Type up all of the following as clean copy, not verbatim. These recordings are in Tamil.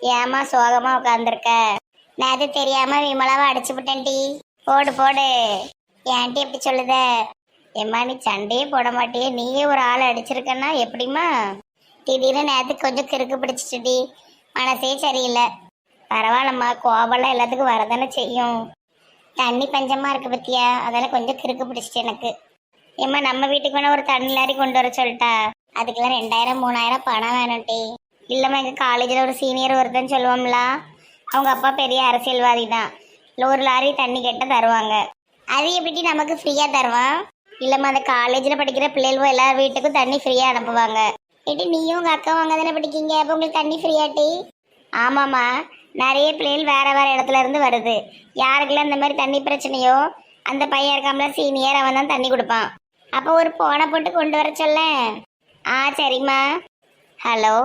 ஏமா சோகமா உட்காந்துருக்க? நேத்து தெரியாம விமலாவை அடிச்சு விட்டேன் டி. போடு போடு. ஏன்டி எப்படி சொல்லுத? ஏம்மா நீ சண்டையே போட மாட்டியே, நீயே ஒரு ஆளை அடிச்சிருக்கன்னா எப்படிம்மா? திடீர்னு நேத்து கொஞ்சம் கிறுக்கு பிடிச்சிட்டுடி, மனசே சரியில்லை. பரவாயில்லம்மா, கோபம்லாம் எல்லாத்துக்கும் வரதானே செய்யும். தண்ணி பஞ்சமா இருக்கு பத்தியா, அதெல்லாம் கொஞ்சம் கிறுக்கு பிடிச்சிட்டு எனக்கு. ஏம்மா நம்ம வீட்டுக்கு வேணா ஒரு தண்ணி லாரி கொண்டு வர சொல்லிட்டா? அதுக்கெல்லாம் 2000 3000 பணம் வேணும் டி. இல்லம்மா எங்கள் காலேஜில் ஒரு சீனியர் ஒருத்தன்னு சொல்லுவோம்ல, அவங்க அப்பா பெரிய அரசியல்வாதி தான். இல்லை ஒரு லாரி தண்ணி கேட்டால் தருவாங்க. அது எப்படி நமக்கு ஃப்ரீயாக தருவான்? இல்லைம்மா அந்த காலேஜில் படிக்கிற பிள்ளைகளும் எல்லா வீட்டுக்கும் தண்ணி ஃப்ரீயாக அனுப்புவாங்க. ஏட்டி நீயும் உங்கள் அக்காவும் அங்கே தானே படிக்கீங்க, அப்போ உங்களுக்கு தண்ணி ஃப்ரீயாட்டி? ஆமாம்மா, நிறைய பிள்ளைகள் வேறு வேறு இடத்துல இருந்து வருது. யாருக்கெல்லாம் இந்த மாதிரி தண்ணி பிரச்சனையோ அந்த பையன் இருக்காமல சீனியர், அவன் தான் தண்ணி கொடுப்பான். அப்போ ஒரு போனை போட்டு கொண்டு வர சொல்ல. ஆ சரிம்மா. ஹலோ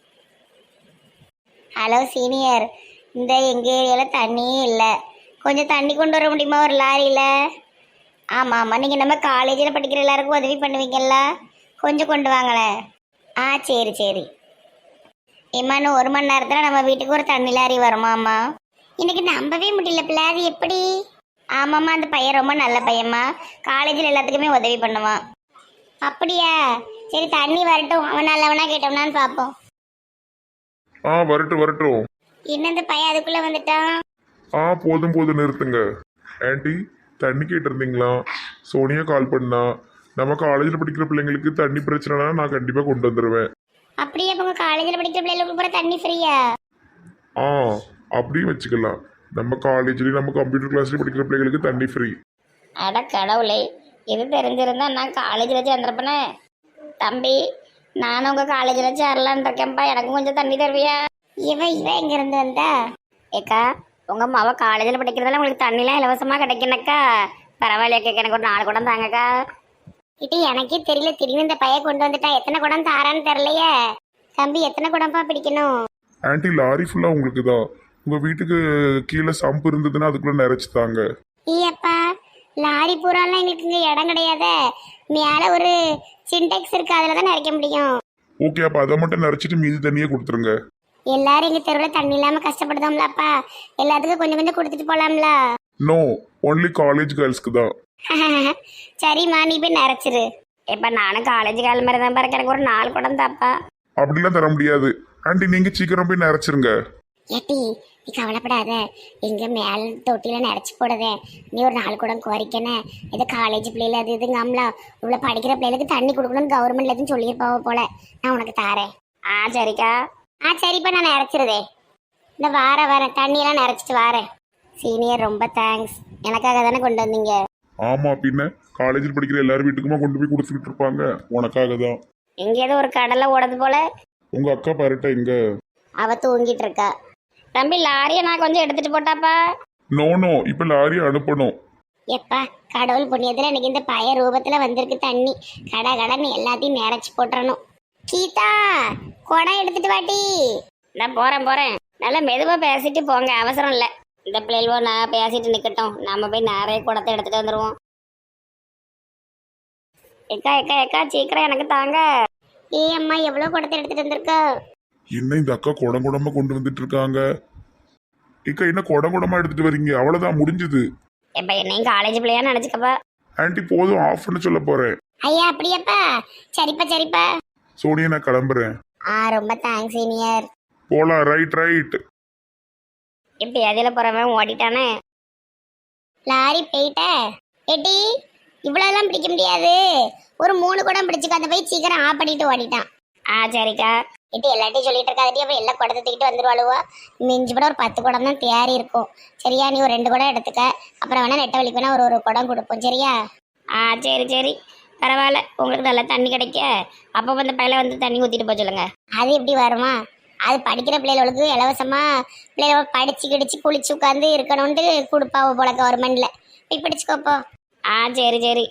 ஹலோ சீனியர், இந்த எங்கள் ஏரியாவில் தண்ணியே இல்லை, கொஞ்சம் தண்ணி கொண்டு வர முடியுமா ஒரு லாரியில்? ஆமாம் ஆமாம், நீங்கள் நம்ம காலேஜில் படிக்கிற எல்லாருக்கும் உதவி பண்ணுவீங்கல்ல, கொஞ்சம் கொண்டு வாங்களேன். ஆ சரி சரி. இம்மான்னு 1 மணி நேரத்தில் நம்ம வீட்டுக்கு ஒரு தண்ணி லாரி வருமாம்மா? எனக்கு நம்பவே முடியல பிள்ளை, அது எப்படி? ஆமாம்மா, அந்த பையன் ரொம்ப நல்ல பையன்மா, காலேஜில் எல்லாத்துக்குமே உதவி பண்ணுவான். அப்படியா? சரி தண்ணி வரட்டும், அவன் நல்லவனா கேட்டோம்னான்னு பார்ப்போம். வரட்டும் வரட்டும். என்ன இந்த பையன் அதுக்குள்ளே வந்துட்டான்? போதும் போதும் நிறுத்துங்க. ஆன்ட்டி, தண்ணி கேட்டிருந்தீங்களா? சோனியா கால் பண்ணா. நம்ம காலேஜில் படிக்கிற பிள்ளைங்களுக்கு தண்ணி பிரச்சனைனா நான் கண்டிப்பாக கொண்டு வந்துடுவேன். அப்படியே இப்போ உங்கள் காலேஜில் படிக்கிற பிள்ளைகளுக்கு பூரா தண்ணி ஃப்ரீயா? ஆ அப்படியும் வச்சுக்கலாம். நம்ம காலேஜ்லேயும் நம்ம கம்ப்யூட்டர் கிளாஸ்லேயும் படிக்கிற பிள்ளைங்களுக்கு தண்ணி ஃப்ரீ. அட கடவுளே, இது தெரிஞ்சிருந்தா நான் காலேஜில் சேர்ந்துருப்பேனே. தம்பி, நானும் உங்கள் காலேஜில் சேரலான் இருக்கேன்ப்பா, எனக்கும் கொஞ்சம் தண்ணி தருவியா? இவன் எங்கேருந்து வந்தா? ஏக்கா, உங்கள் மாவ காலேஜில் படிக்கிறதால உங்களுக்கு தண்ணிலாம் இலவசமாக கிடைக்கணக்கா? பரவாயில்லையா, எனக்கு ஒரு 4 குடம் தாங்கக்கா. இது எனக்கே தெரியல, திடீர்னு இந்த பையன் கொண்டு வந்துட்டா. எத்தனை குடம் தாரான்னு தெரியலையே. தம்பி எத்தனை குடம்பா பிடிக்கணும்? ஆன்ட்டி, லாரி ஃபுல்லாக உங்களுக்கு தான். உங்கள் வீட்டுக்கு கீழே சம்பு இருந்ததுன்னா அதுக்குள்ளே நிறைச்சி தாங்க. ஈயப்பா, லாரி பூராலாம் எங்களுக்கு இங்கே இடம் கிடையாதே. மேலே ஒரு சின்டெக்ஸ் இருக்கு, அதில் தான் நிறைக்க முடியும். ஓகே, அப்போ அதை மட்டும் நிறைச்சிட்டு மீதி தண்ணியே கொடுத்துருங்க. எல்லாரும் எங்கள் தெருவில் தண்ணி இல்லாமல் கஷ்டப்படுதோம்லப்பா, எல்லாத்துக்கும் கொஞ்சம் கொஞ்சம் கொடுத்துட்டு போகலாம்ல. நோ, ஒன்லி காலேஜ் கேர்ள்ஸ்க்கு தான். சரிம்மா, நீ போய் நிறைச்சிரு. இப்போ நானும் காலேஜ் கால் மாதிரி தான் பாருங்க, எனக்கு ஒரு 4 குடம் தாப்பா. அப்படிலாம் தர முடியாது ஆன்ட்டி, நீங்கள் சீக்கிரம் போய் நிறைச்சிருங்க. ஏட்டி நீ கவலைப்படாத, எங்க மேல் தொட்டியில நிறச்சி போடுதே. நீ ஒரு 4 குடம் குறைக்கணே. இது காலேஜ் பிள்ளைல அது இதுங்காமலா, இவ்வளோ படிக்கிற பிள்ளைகளுக்கு தண்ணி கொடுக்கணும்னு கவர்மெண்ட்ல எதுவும் சொல்லியிருப்பாவ போல. நான் உனக்கு தாரேன். ஆ சரிக்கா. ஆ சரிப்பா, நான் நிறச்சிருதே. இந்த வரேன், தண்ணியெல்லாம் நிறச்சிட்டு வரேன். சீனியர் ரொம்ப தேங்க்ஸ், எனக்காக தானே கொண்டு வந்தீங்க. ஆமாம், பின்ன காலேஜில் படிக்கிற எல்லாரும் வீட்டுக்குமா கொண்டு போய் கொடுத்துக்கிட்டு இருப்பாங்க, உனக்காக தான். எங்கேயாவது ஒரு கடலை ஓடுது போல. உங்கள் அக்கா பாருட்டா இங்க. அவ தூங்கிட்டு இருக்கா. தம்பி, லாரியை நான் கொஞ்சம் எடுத்துட்டு போட்டாப்பா. நோ, இப்போ லாரியை அனுப்பணும். எப்பா, கடவுள் புண்ணியத்துல எனக்கு இந்த பய ரூபத்துல வந்திருக்கு தண்ணி. கடன்னு எல்லாத்தையும் நிறைச்சி போட்டுறணும். கீதா, குடம் எடுத்துட்டு வாட்டி. நான் போறேன். நல்லா மெதுவா பேசிட்டு போங்க, அவசரம் இல்லை. இந்த பிள்ளைவோ நான் பேசிட்டு நிக்கட்டும், நம்ம போய் நிறைய குடத்தை எடுத்துட்டு வந்துருவோம். எக்கா சீக்கிரம் எனக்கு தாங்க. அம்மா, எவ்வளவு குடத்தை எடுத்துட்டு வந்திருக்க? என்ன இந்த அக்கா குடம் குடமா கொண்டு வந்துட்டு இருக்காங்க? இக்கா என்ன குடம் குடமா எடுத்துட்டு வரீங்க? அவ்வளவுதான், முடிஞ்சது. எப்ப என்னையும் காலேஜ் பிள்ளையா நினைச்சுக்கப்பா. ஆன்ட்டி போதும், ஆஃப் பண்ண சொல்ல போறேன். ஐயா அப்படியாப்பா? சரிப்பா. சோனியா, நான் கிளம்புறேன். ரொம்ப தேங்க்ஸ் சீனியர். போலாம், ரைட். இப்படி அதில போறவன் ஓடிட்டானே. லாரி போயிட்ட. ஏட்டி, இவ்வளோலாம் பிடிக்க முடியாது, ஒரு 3 குடம் பிடிச்சிக்க. அந்த போய் சீக்கிரம் ஆஃப் பண்ணிட்டு ஓடிட்டான். ஆ சரிக்கா. ஏட்டி எல்லாத்தையும் சொல்லிட்டு இருக்காதட்டி, அப்புறம் எல்லாம் குடத்தை தூக்கிட்டு வந்துருவாளுவா. மிஞ்சி கூட ஒரு 10 குடம் தான் தேறி இருக்கும். சரியா, நீ ஒரு 2 குடம் எடுத்துக்க. அப்புறம் வேணா நெட்ட வலிக்கு வேணா ஒரு குடம் கொடுப்போம், சரியா? ஆ சரி, பரவாயில்ல. உங்களுக்கு நல்லா தண்ணி கிடைக்க அப்போ வந்து பையில வந்து தண்ணி ஊற்றிட்டு போக சொல்லுங்க. அது எப்படி வருமா? அது படிக்கிற பிள்ளைகளுக்கு இலவசமா பிள்ளைகள படிச்சு கிடிச்சு குளிச்சு உட்காந்து இருக்கணும்ட்டு கொடுப்பாவோ போல கவர்மெண்ட்ல. போய் படிச்சுக்கோப்போ. ஆ சரி.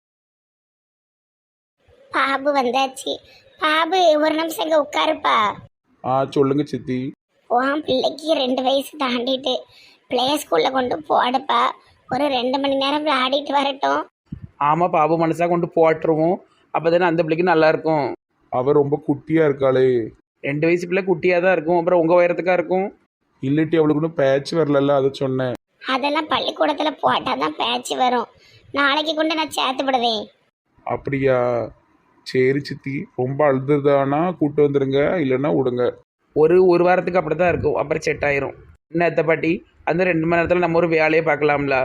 பாபு வந்தாச்சு. பாபு, ஒரு நிமிஷம் இங்க உட்காருப்பா. சொல்லுங்க சித்தி. உன் பிள்ளைக்கு 2 வயசு தாண்டிட்டு பிளே ஸ்கூல்ல கொண்டு போடுப்பா. ஒரு 2 மணி நேரம் விளையாடிட்டு வரட்டும். ஆமாம், பாபு மனசாக கொண்டு போட்டுருவோம், அப்போ தானே அந்த பிள்ளைக்கு நல்லா இருக்கும். அவ ரொம்ப குட்டியா இருக்காளே. 2 வயசு பிள்ளை குட்டியாக தான் இருக்கும், அப்புறம் உங்கள் உயரத்துக்கா இருக்கும். இல்லட்டி அவளுக்கு ஒன்றும் பேட்ச் வரல, அதை சொன்னேன். அதெல்லாம் பள்ளிக்கூடத்துல போட்டாதான் பேச்சு வரும். நாளைக்கு கொண்டு நான் சேர்த்து விடுவேன். அப்படியா? சரி சித்தி, ரொம்ப அழுதுதானா கூட்டு வந்துடுங்க, இல்லைன்னா விடுங்க. ஒரு வாரத்துக்கு அப்படி தான் இருக்கும், அப்புறம் செட் ஆயிரும். என்ன அத்தை பாட்டி, அந்த 2 மணி நேரத்தில் நம்ம ஒரு வேலையை பார்க்கலாம்ல.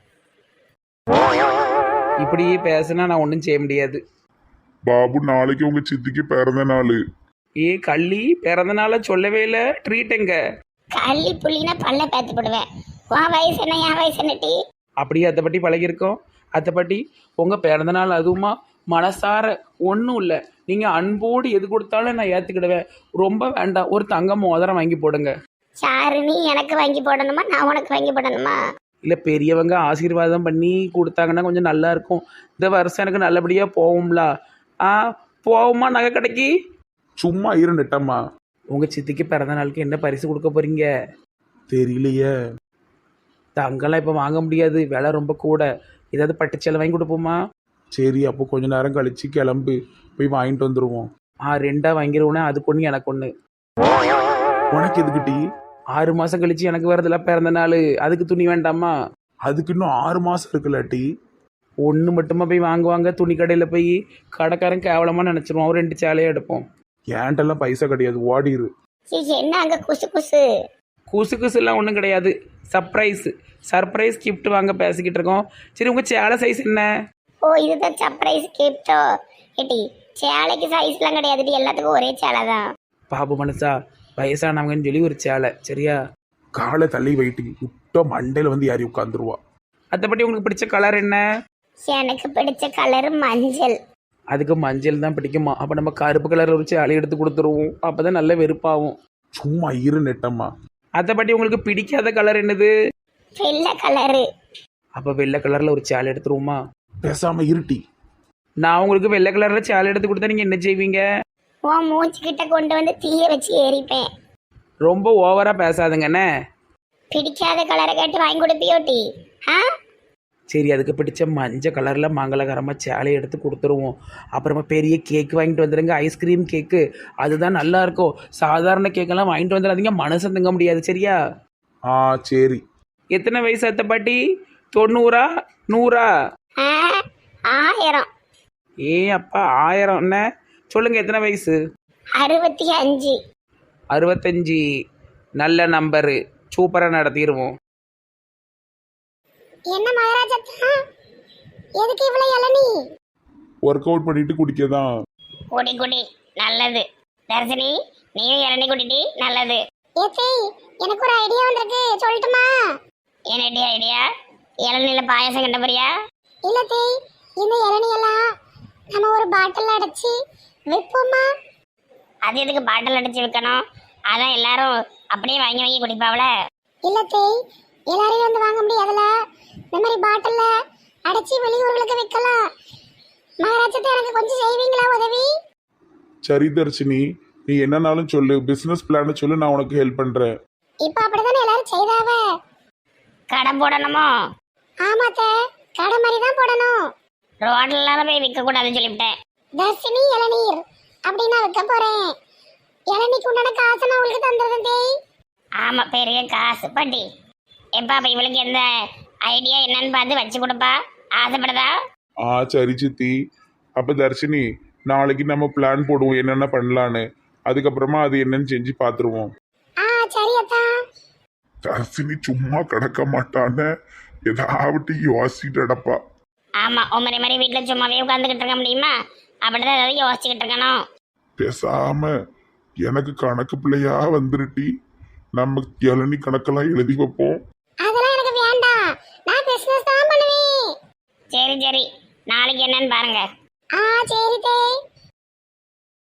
இப்படியே பேசுனா நான் ஒன்றும் செய்ய முடியாது. பாபு, நாளைக்கு உங்க சித்திக்கு பிறந்த நாள். ஏ கள்ளி, பிறந்த நாளை சொல்லவே இல்லை, ட்ரீட் எங்க? கள்ளி புள்ளினா பல்ல பேத்து போடுவேன். உன் வயசு என்ன, என் வயசு என்ன டி? அப்படியே அத்தை பாட்டி பழகிருக்கோம். அத்தை பாட்டி, உங்கள் பிறந்த நாள் அதுவுமா மனசார ஒன்றும் இல்லை, நீங்கள் அன்போடு எது கொடுத்தாலும் நான் ஏற்றுக்கிடுவேன். ரொம்ப வேண்டாம், ஒரு தங்க மோதிரம் வாங்கி போடுங்க. சாரு, நீ எனக்கு வாங்கி போடணுமா, நான் உனக்கு வாங்கி போடணுமா? இல்லை, பெரியவங்க ஆசீர்வாதம் பண்ணி கொடுத்தாங்கன்னா கொஞ்சம் நல்லா இருக்கும். இந்த வருஷம் எனக்கு நல்லபடியாக போகும்ல. ஆ, போவோமா நகை கடைக்கு? சும்மா இரு நெட்டம்மா. உங்கள் சித்திக்கு பிறந்த நாளுக்கு என்ன பரிசு கொடுக்க போகிறீங்க? தெரியலையே. தங்கெல்லாம் இப்போ வாங்க முடியாது, விலை ரொம்ப கூட. ஏதாவது பட்டுச்சேலை வாங்கி கொடுப்போமா? சரி, அப்போ கொஞ்ச நேரம் கழிச்சு கிளம்பு, போய் வாங்கிட்டு வந்துடுவோம். 2 வாங்கிடுவோன்னே, அதுக்கு ஒன்று எனக்கு ஒன்று. உனக்கு எதுக்கிட்டி? 6 மாதம் கழிச்சு எனக்கு வரதில்ல பிறந்த நாள், அதுக்கு துணி வேண்டாமா? அதுக்கு இன்னும் 6 மாசம் இருக்குல்லாட்டி. ஒன்று மட்டுமா போய் வாங்குவாங்க? துணி கடையில் போய் கடைக்காரன் கேவலமாக நினச்சிருவோம். 2 சேலையாக எடுப்போம். ஏன்ட்டெல்லாம் பைசா கிடையாது, ஓடிரு. என்ன அங்க குசு குசு? குசு குசுலாம் ஒன்றும் கிடையாது, சர்ப்ரைஸ் கிஃப்ட் வாங்க பேசிக்கிட்டு இருக்கோம். சரி, உங்கள் சேலை சைஸ் என்ன? ஓ, இதுதான் சர்ப்ரைஸ் கிஃப்டோ? ஏட்டி, சேலைக்கு சைஸ்லாம் கிடையாதுடி, எல்லாத்துக்கும் ஒரே சேலை தான். பாபு மனசா, வயசானவங்கன்னு சொல்லி ஒரு சேலை, சரியா? காலை தள்ளி வைட்டு விட்டோ மண்டையில வந்து யாரி உட்காந்துருவா. அதைப்படி உங்களுக்கு பிடிச்ச கலர் என்ன? எனக்கு பிடிச்ச கலர் மஞ்சள். அதுக்கு மஞ்சள் தான் பிடிக்குமா? அப்போ நம்ம கருப்பு கலர் ஒரு சேலை எடுத்து கொடுத்துருவோம், அப்போ தான் நல்ல வெறுப்பாகும். சும்மா இரு நெட்டம்மா. அதைப்படி உங்களுக்கு பிடிக்காத கலர் என்னது? வெள்ளை கலரு. அப்போ வெள்ளை கலரில் ஒரு சேலை எடுத்துருவோமா? பேசாம இருட்டி. நான் உங்களுக்கு வெள்ளை கலரில் சேலை எடுத்து கொடுத்தா நீங்கள் என்ன செய்வீங்க? உன் மூச்சு கிட்ட கொண்டு வந்து தீய வச்சு எரிப்பேன். ரொம்ப ஓவராக பேசாதுங்கண்ணே. பிடிக்காத கலரை கேட்டு வாங்கி கொடுப்பியோட்டி? ஆ, சரி, அதுக்கு பிடிச்ச மஞ்சள் கலரில் மங்களகரமாக சேலை எடுத்து கொடுத்துருவோம். அப்புறமா பெரிய கேக்கு வாங்கிட்டு வந்துடுங்க, ஐஸ்கிரீம் கேக்கு, அதுதான் நல்லா இருக்கும். சாதாரண கேக்கெல்லாம் வாங்கிட்டு வந்துடாதீங்க, மனசு தங்க முடியாது, சரியா? ஆ சரி. எத்தனை வயசு அத்தை பாட்டி? 90 100? 1000. ஏ அப்பா, 1000 என்ன சொல்லுங்க, எத்தனை வயசு? 65. 65. நல்ல நம்பரு, சூப்பராக நடத்திடுவோம். என்ன மகாராஜா, எதுக்கு இவ்வளவு இளநீ? ஒர்க் அவுட் பண்ணிட்டு குடிக்கதான். குடி குடி, நல்லது. தர்சினி, நீயும் இளநீ குடிடி, நல்லது. எனக்கு ஒரு ஐடியா வந்திருக்கு, சொல்லட்டுமா? என்ன ஐடியா? இளநீல பாயசம் கண்ட போறியா? இல்ல தேய், இந்த இளநீயெல்லாம் நம்ம ஒரு பாட்டில் அடைச்சி விற்போமா? அது எதுக்கு பாட்டில் அடைச்சி விற்கணும்? அதான் எல்லாரும் அப்படியே வாங்கி வாங்கி குடிப்பாவல. இல்ல தேய், எல்லாரையும் வந்து வாங்க முடியாதுல, இந்த மாதிரி பாட்டில்ல அடைச்சி வெளியூர்களுக்கு விற்கலாம். மகாராஜத்தை எனக்கு கொஞ்சம் செய்வீங்களா உதவி? சரி தர்ஷினி, நீ என்னன்னாலும் சொல்லு, பிசினஸ் பிளான் சொல்லு, நான் உனக்கு ஹெல்ப் பண்றேன். இப்ப அப்படிதானே எல்லாரும் செய்தாவ. கடை போடணுமோ? ஆமாத்த, கடை மாதிரி தான் போடணும். ரோட்ல போய் விற்க கூடாதுன்னு சொல்லிவிட்டேன். தர்ஷினி இளநீர் அப்படின்னா விற்க போறேன். இளநீக்கு உண்டான காசு நான் உங்களுக்கு தந்துடுறேன் தேய். ஆமா, பெரிய காசு பாட்டி. எப்பா, அப்ப இவளுக்கு எந்த ஐடியா என்னன்னு பார்த்து வச்சு கொடுப்பா, ஆசைப்படுதா? ஆ சரி சித்தி. அப்ப தர்ஷினி, நாளைக்கு நம்ம பிளான் போடுவோம் என்னென்ன பண்ணலான்னு, அதுக்கப்புறமா அது என்னன்னு செஞ்சு பார்த்துருவோம். சரி அத்தா. தர்ஷினி சும்மா கிடக்க மாட்டான்னு ஏதாவது யோசிச்சுட்டு அடப்பா. ஆமா, உமரை மாதிரி வீட்டுல சும்மாவே உட்காந்துக்கிட்டு இருக்க முடியுமா? அப்படிதான் ஏதாவது யோசிச்சுக்கிட்டு இருக்கணும். பேசாம எனக்கு கணக்கு பிள்ளையா வந்துருட்டி, நம்ம இளநீ கணக்கெல்லாம் எழுதி வைப்போம். அதெல்லாம் எனக்கு வேண்டாம், நான் பிசினஸ் தான் பண்ணுவேன். சரி சரி, நாளைக்கு என்னன்னு பாருங்க. சரி தேய்.